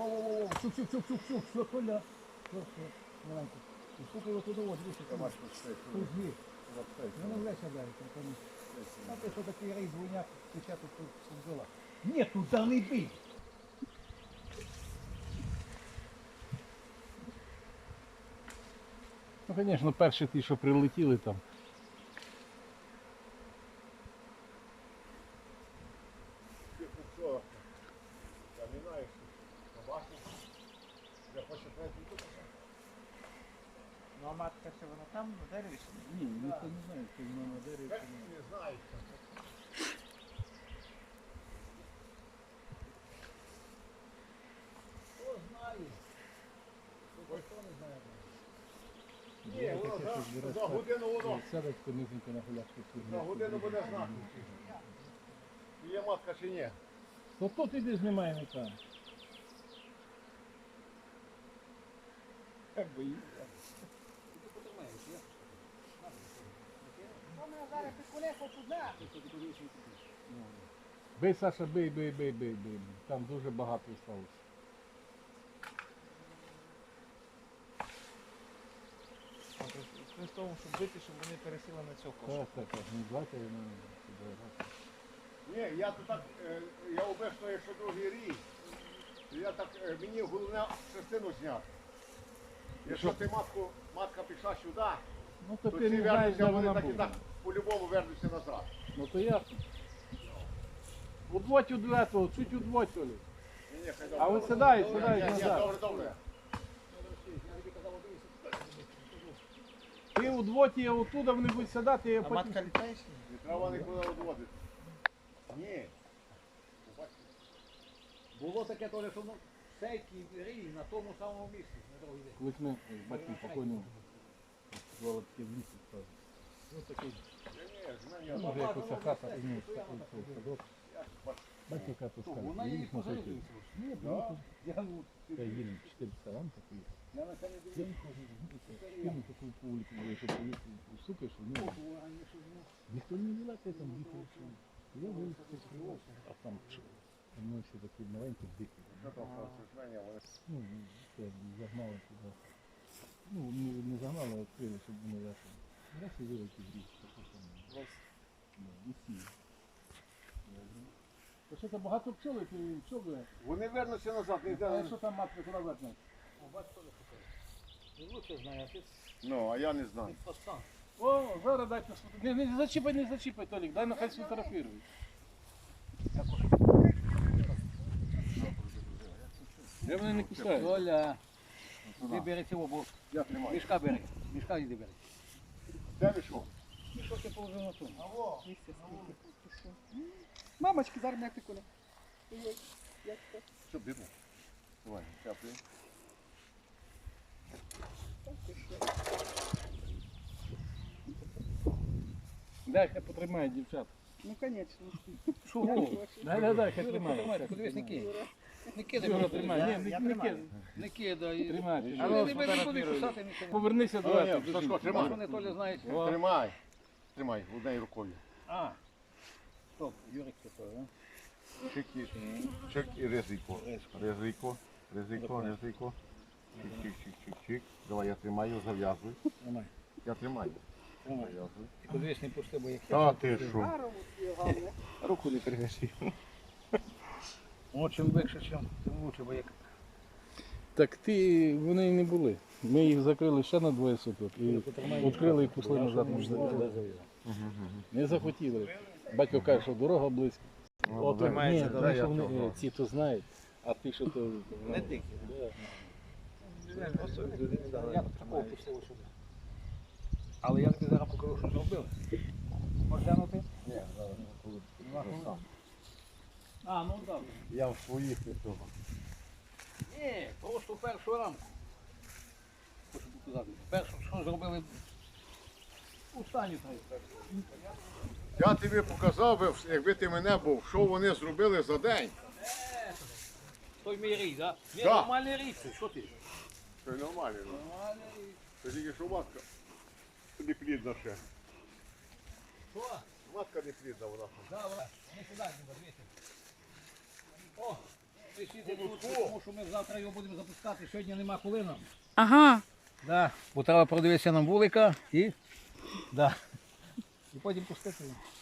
Все, Коля. Все. Маленько. Стукай його туди, ось, дивися. Кузьмі. Ну, не влече далі. А ти що такий рейс двойняк, тече тут бджола. Ні, туди не бій. Ну, звісно, перші ті, що прилетіли там. Ну а матка ще вона там на дереві? Ні, ніхто не знає, що вона на дереві. Не знаю. Хто знає? Хто не знає? Ні, воно за годину воно. Сядуть понизенько на гуляшку. За годину буде знати. Є матка чи ні? То тут іди знімай не там. Як боїться. Бий, Саша, бий. Там дуже багато сталося. При тому, щоб бити, щоб вони пересіли на цього кошу. Так. Не давайте, ну, Ні, я то так, я обично, якщо другий рік, то я так, мені головне частину зняти. Якщо ти матка пішла сюди, ну, то то ти ці не знаєш, вернуться, де вони вона так і була. так по-любому вернуться назад. Ну то ясно. Удвоть у этого, чуть удвоть, Олі. Ні, хай А добре. ви сідай Ні, назад. добре. Ти удвоть її оттуда, вони будуть сідати, я А потім... матка літає чи ні? Не треба нікуди відводити. Ні. Було таке теж, що сейки рій на тому самому місці, на другий день. Колись ми з батьком покойним звали таке в лісі справді. Ну такий, Ні, ну, може якось хата, ну, такий садок. Батько хату Вона сказав, її їдь на сойти. позорюється. Ні, Я ну, я їду 400 рам такий. я на це не Я дивлюсь. не хожу, кину таку публіку, що поїхав у суки, що ну, ніхто не вилазить там, їхав, що я вилазив, а там що? Там ще такі маленькі дикі. Ну, це загнали туди. Ну, не загнали, а відкрили, щоб вони лежали. Раз і великий бріг, що там. І сіли. То що там багато пчоли, ти пчоли? Вони вернуться назад, не А йде. що там матка куди вернуть? Ти лучше знаєш, ти Ну, а я не знаю. постан. О, зараз дайте сфотографувати. Не зачіпай, Толік, дай нехай сфотографірують. Я мене не кусаю. Оля, ти бери цього, бо Я тримаю. мішка бери. Мішка йди бери. Де пішов? Мішок я положив на тому. Алло. Мамочки, зараз м'як ти Коля. Що, бідно? Давай, теплий. Дай, хай потримають дівчат. Ну, конечно. Шугу. Дай, хай тримають. Подивись, не кидай. Не Юра, тримай. Ні, не кидай. Не кидай. Тримай. А ну, не буду кусати нічого. Повернися до этого. Сашко, тримай. Вони Толя знають. Тримай. Тримай, однією рукою. А. Стоп, Юрик такой, а? Чик і ризико. Ризико. Чик. Давай, я тримаю, зав'язуй. Тримай. Я тримаю. Тримай. Зав'язуй. Ти подивись, не пусти, бо як Та ти що? руку не перевesi. О, чим легше, тим лучше, бо як... Так вони і не були. Ми їх закрили ще на 2 суток і відкрили і пішли назад. Не захотіли. Батько каже, що дорога близько. От, ні, тому що вони ці то знають, а ти що то... Не дикі. Я такого пустив сюди. Але я тобі зараз покажу, що зробили. Можеш глянути? Ні, зараз. А, ну так. Я в своїх цього. Ні, просто першу рамку. Хочу показати. Першу, що зробили у стані так. Я тобі показав би, якби ти мене був, що вони зробили за день. Той мій рій, так? Ні, Да. нормальний рій це, що ти? Це нормально. Нормальний рій. Це тільки що матка не плідна ще. Що? Матка не плідна вона. Да, вона. Не сюди, не дивіться. О, ти висіти тут, тому що ми завтра його будемо запускати. Сьогодні нема коли нам. Ага. Да. Бо треба продивитися нам вулика і, да. І потім пустити.